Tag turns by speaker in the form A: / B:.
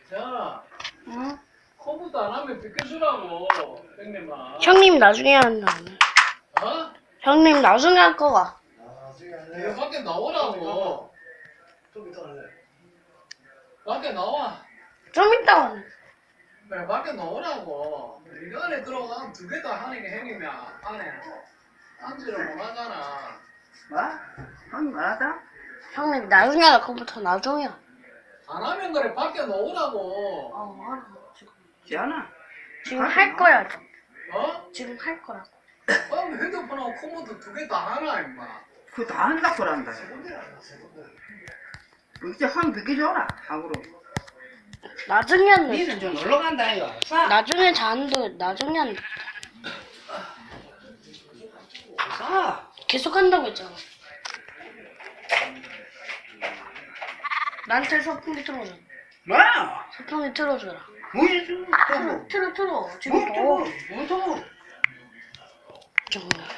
A: 야,
B: 응?
A: 컴퓨터 안 하면 비켜주라고, 형님아.
B: 형님 나중에 한다.
A: 어?
B: 형님 나중에 할 거가.
A: 이거 밖에 나오라고.
C: 좀 이따 할래.
A: 밖에 나와.
B: 좀 이따.
A: 그래, 밖에 나오라고. 이거 안에 들어가면 두 개 다 하는 게 형님이 안에 앉지를 못하잖아.
C: 뭐? 형님 말하다?
B: 형님 나중에 할 컴퓨터 나중에.
A: 안 하면 그래, 밖에 나오라고.
B: 알아. 지금.
C: 지안아.
B: 지금 할 거야.
A: 어?
B: 지금 할 거라고.
A: 핸드폰하고 컴퓨터 두 개 다 하나, 임마.
C: 그거 다 한다 그란다. 이제 한 100개 줘라. 하고로.
B: 나중에 한다.
C: 니는 좀 놀러 간다 이거. 싸.
B: 나중에 잔도 나중에 한다.
C: 싸.
B: 계속 한다고 했잖아. 나한테 소풍기 틀어줘.
C: 뭐야?
B: 소풍기 틀어줘라.
C: 뭐지?
B: 틀어. 지금
C: 뭐
B: 더워.
C: 또? 뭐 또?
B: 잠깐만.